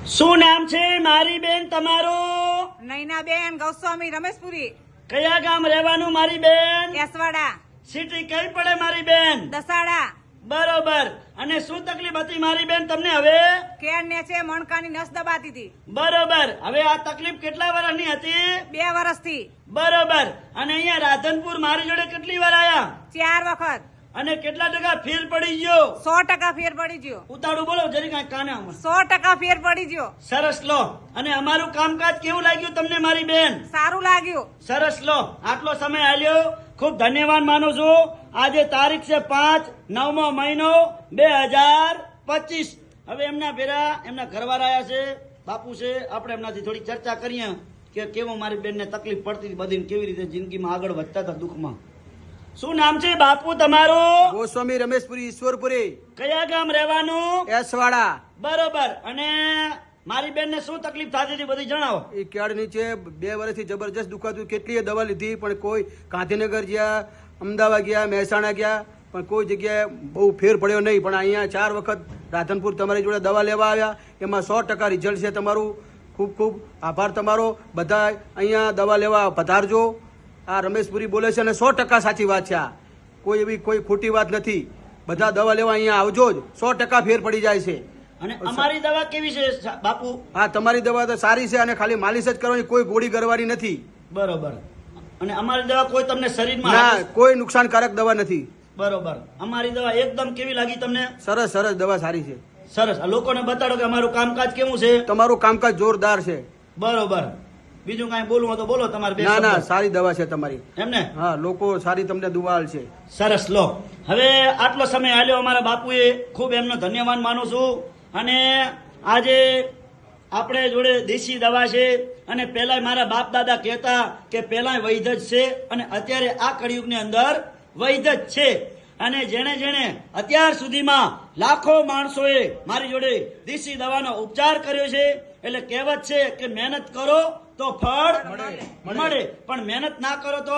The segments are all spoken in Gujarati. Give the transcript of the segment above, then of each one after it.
શું નામ છે મારી બેન તમારું? નૈનાબેન ગૌસ્વામી રમેશપુરી. કયા ગામ રહેવાનું મારી બેન? કેસવાડા. સિટી કઈ પડે મારી બેન? દસાડા. બરોબર. અને શું તકલીફ હતી મારી બેન તમને હવે? કેળ ને છે મણકાની નસ દબાતી હતી. બરોબર. હવે આ તકલીફ કેટલા વર્ષની હતી? 2 વર્ષથી. બરોબર. અને અહીંયા રાધનપુર મારી જોડે કેટલી વાર આયા? 4 વખત. અને કેટલા ટકા ફેર પડી ગયો? 100% ફેર પડી ગયો. ઉતાળું બોલો જરી કાંઈ કાને. 100% ફેર પડી ગયો. સરસ લો. અને અમારું કામકાજ કેવું લાગ્યું તમને મારી બેન? સારું લાગ્યું. સરસ લો. આટલો સમય આલ્યો ખૂબ ધન્યવાદ માનું છું. આજે તારીખ છે 5/9 મહિનો 2025. હવે એમના ભેરા એમના ઘરવાળા આયા છે, બાપુ છે. આપણે એમનાથી થોડી ચર્ચા કરીએ કે કેવો મારી બેનને તકલીફ પડતી હતી બધી, કેવી રીતે જિંદગીમાં આગળ વધતા હતા દુઃખમાં. શું નામ છે બાપુ તમારું? ગોસ્વામી રમેશપુરી ઈશ્વરપુરી. કયા ગામ રહેવાનું? એસવાડા. બરોબર. અને મારી બેનને શું તકલીફ થતી હતી બધી જણાવો. એ કેળ નીચે 2 વર્ષથી જબરજસ્ત દુખાતું. કેટલીય દવા લીધી પણ કોઈ, ગાંધીનગર ગયા, અમદાવાદ ગયા, મહેસાણા ગયા, પણ કોઈ જગ્યાએ બહુ ફેર પડ્યો નહીં. પણ અહીંયા 4 વખત રાધનપુર તમારી જોડે દવા લેવા આવ્યા. એમાં 100% રિઝલ્ટ છે તમારું. ખૂબ ખૂબ આભાર તમારો. બધા અહીંયા દવા લેવા પધારજો. આ રમેશપુરી બોલે છે અને 100% સાચી વાત છે. આ કોઈ એવી કોઈ ખોટી વાત નથી. બધા દવા લેવા અહીંયા આવજો જ. 100% ફેર પડી જાય છે. અને અમારી દવા કેવી છે બાપુ? હા, તમારી દવા તો સારી છે અને ખાલી માલિશ જ કરવાની, કોઈ ગોળી કરવાની નથી. બરોબર. અને અમારી દવા કોઈ તમને શરીરમાં ના, કોઈ નુકસાનકારક દવા નથી. બરોબર. અમારી દવા એકદમ કેવી લાગી તમને? સરસ સરસ દવા સારી છે. સરસ. આ લોકોને બતાડો કે અમારું કામકાજ કેવું છે. તમારું કામકાજ જોરદાર છે. બરોબર. બીજું કાંઈ બોલવું હોય તો બોલો તમારે. ના ના, સારી દવા છે તમારી. એમને? હા, લોકો સારી તમને દુવાલ છે. સરસ. લો. હવે આટલો સમય આલ્યો અમારા બાપુએ, ખૂબ એમનો ધન્યવાદ માનું છું. અને આજે આપણે જોડે દેશી દવા છે. અને પહેલા મારા બાપ દાદા કહેતા કે પહેલા વૈદ્ય જ છે અને અત્યારે આ કળિયુગની અંદર વૈદ્ય જ છે. અને જેણે જેણે અત્યાર સુધીમાં લાખો માણસોએ મારી જોડે દેશી દવાનો ઉપચાર કર્યો છે. એટલે કહેવત છે કે મહેનત કરો તો ફળ મળે, પણ મહેનત ના કરો તો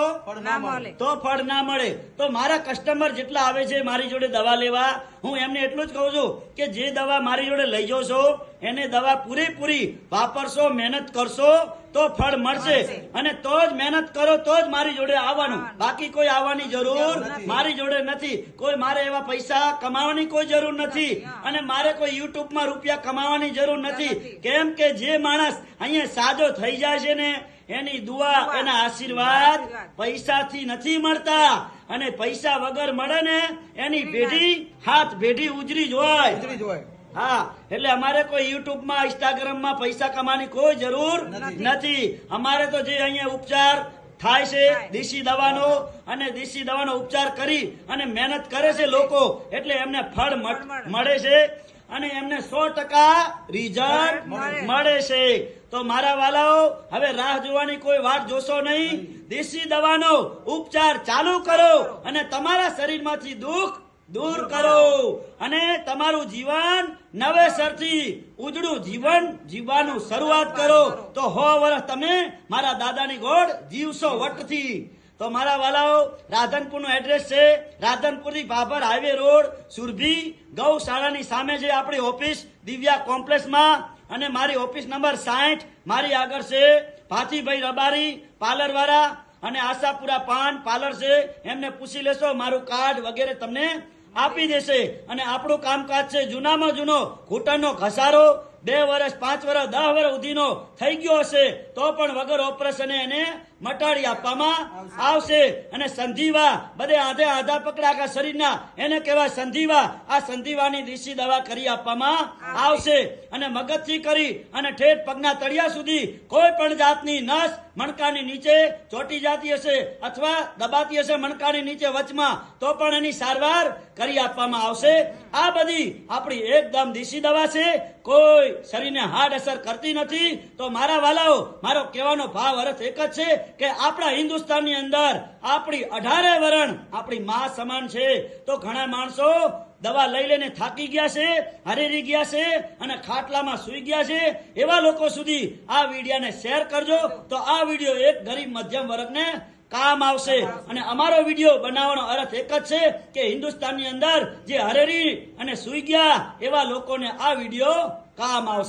ફળ ના મળે. તો મારા કસ્ટમર જેટલા આવે છે મારી જોડે દવા લેવા, હું એમને એટલું જ કહું છું કે જે દવા મારી જોડે લઈ જાઓ છો એને દવા પૂરેપૂરી વાપરશો, મહેનત કરશો તો ફળ મળશે. અને તો જ મહેનત કરો તો જ મારી જોડે આવવાનું. બાકી કોઈ આવવાની જરૂર મારી જોડે નથી. કોઈ મારે એવા પૈસા કમાવાની કોઈ જરૂર નથી. અને મારે કોઈ યુટ્યુબમાં રૂપિયા કમાવાની જરૂર નથી. કેમ કે જે માણસ અહીંયા સાજો થઈ જાય છે ને, એની દુઆ, એના આશીર્વાદ પૈસાથી નથી મળતા. અને પૈસા વગર મળે ને એની ભેઢી હાથ ભેઢી ઉજરી જ હોય. હા, એટલે અમારે કોઈ યુટ્યુબમાં, ઇન્સ્ટાગ્રામમાં પૈસા કમાવાની કોઈ જરૂર નથી. અમારે તો જે અહીંયા ઉપચાર થાય છે દેશી દવાનો, અને દેશી દવાનો ઉપચાર કરી અને મહેનત કરે છે લોકો, એટલે એમને ફળ મળે છે. અને એમને 100% રિઝલ્ટ મળે છે. તો મારા વાલાઓ, હવે રાહ જોવાની કોઈ વાત જોશો નહીં. દેશી દવાનો ઉપચાર ચાલુ કરો અને તમારા શરીરમાંથી દુઃખ દૂર કરો અને તમારું જીવન નવેસરથી ઉજળું જીવન જીવવાનું શરૂઆત કરો. તો 100 વર્ષ તમે મારા દાદાની ગોળ જીવશો વટથી. તો મારા વાલાઓ, રાધનપુરનું એડ્રેસ છે રાધનપુરથી ભાભર હાઈવે રોડ, સુરભી ગૌશાળાની સામે છે આપણી ઓફિસ દિવ્યા કોમ્પ્લેક્સમાં. અને મારી ઓફિસ નંબર 60. મારી આગળ છે ભાતીભાઈ રબારી પાર્લર વાળા, અને આશાપુરા પાન પાર્લર છે. એમને પૂછી લેશો, મારું કાર્ડ વગેરે તમને આપી દેશે. અને આપણું કામકાજ છે જૂનામાં જૂનો ઘૂંટણનો ઘસારો 2 વર્ષ, 5 વર્ષ, 10 વર્ષ સુધીનો થઈ ગયો હશે તો પણ વગર ઓપરેશન એને મટાડી આપવામાં આવશે. અને સંધિવા, બધે આધા પકડા આખા શરીરના, એને કહેવાય સંધિવા. આ સંધિવાની દેશી દવા કરી આપવામાં આવશે. અને મગજથી કરી અને ઠેઠ પગના તળિયા સુધી કોઈ પણ જાતની નસ મણકાની નીચે ચોટી જતી હશે અથવા દબાતી હશે મણકાની નીચે વચમાં, તો પણ એની સારવાર કરી આપવામાં આવશે. આ બધી આપણી એકદમ દેશી દવા છે, કોઈ શરીરને હાર્ડ અસર કરતી નથી. તો મારા વાલાઓ, મારો કહેવાનો ભાવ અર્થ એક જ છે કે આપણા હિન્દુસ્તાનની અંદર આપણી 18 વરણ આપણી માં સમાન છે. તો ઘણા માણસો દવા લઈ લઈને થાકી ગયા છે, હરેરી ગયા છે અને ખાટલામાં સુઈ ગયા છે. એવા લોકો સુધી આ વિડીયોને શેર કરજો. તો આ વિડીયો એક ગરીબ મધ્યમ વર્ગને કામ આવશે. અને અમારો વિડીયો બનાવવાનો અર્થ એક જ છે કે હિન્દુસ્તાનની અંદર જે હરેરી અને સુઈ ગયા એવા લોકોને આ વિડીયો કામ આવશે.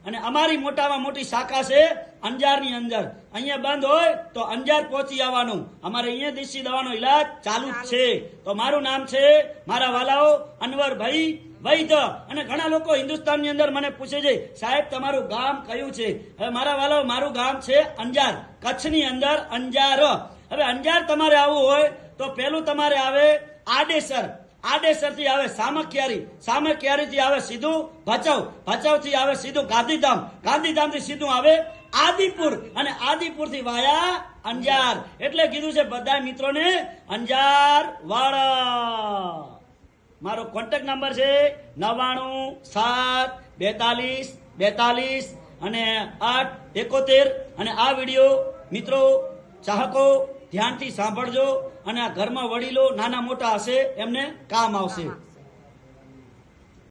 અને અમારી મોટામાં મોટી શાખા છે અંજારની અંદર. અહીંયા બંધ હોય તો અંજાર પહોંચી આવવાનું. અમારે અહીંયા દેશી દવાનો ઈલાજ ચાલુ જ છે. તો મારું નામ છે મારા વાલાઓ અનવરભાઈ વૈદ્ય. અને ઘણા લોકો હિન્દુસ્તાનની અંદર મને પૂછે છે સાહેબ તમારું ગામ કયું છે? હવે મારા વાલાઓ મારું ગામ છે અંજાર, કચ્છની અંદર અંજાર. હવે અંજાર તમારે આવવું હોય તો પેલું તમારે આવે આડેસર, આડેસર થી આવે સામખિયારી, સામખિયારી થી આવે સીધું ભચાઉ, ભચાઉ થી આવે સીધું ગાંધીધામ, ગાંધીધામ થી સીધું આવે આદિપુર, અને આદિપુર થી વાયા અંજાર. એટલે કીધું છે બધા મિત્રોને અંજાર વાળા. મારો કોન્ટેક્ટ નંબર છે 99 7 42 42 અને 8 71. અને આ વિડીયો મિત્રો ચાહકો ધ્યાનથી સાંભળજો, અને આ ઘરમાં વડીલો નાના મોટા હશે એમને કામ આવશે.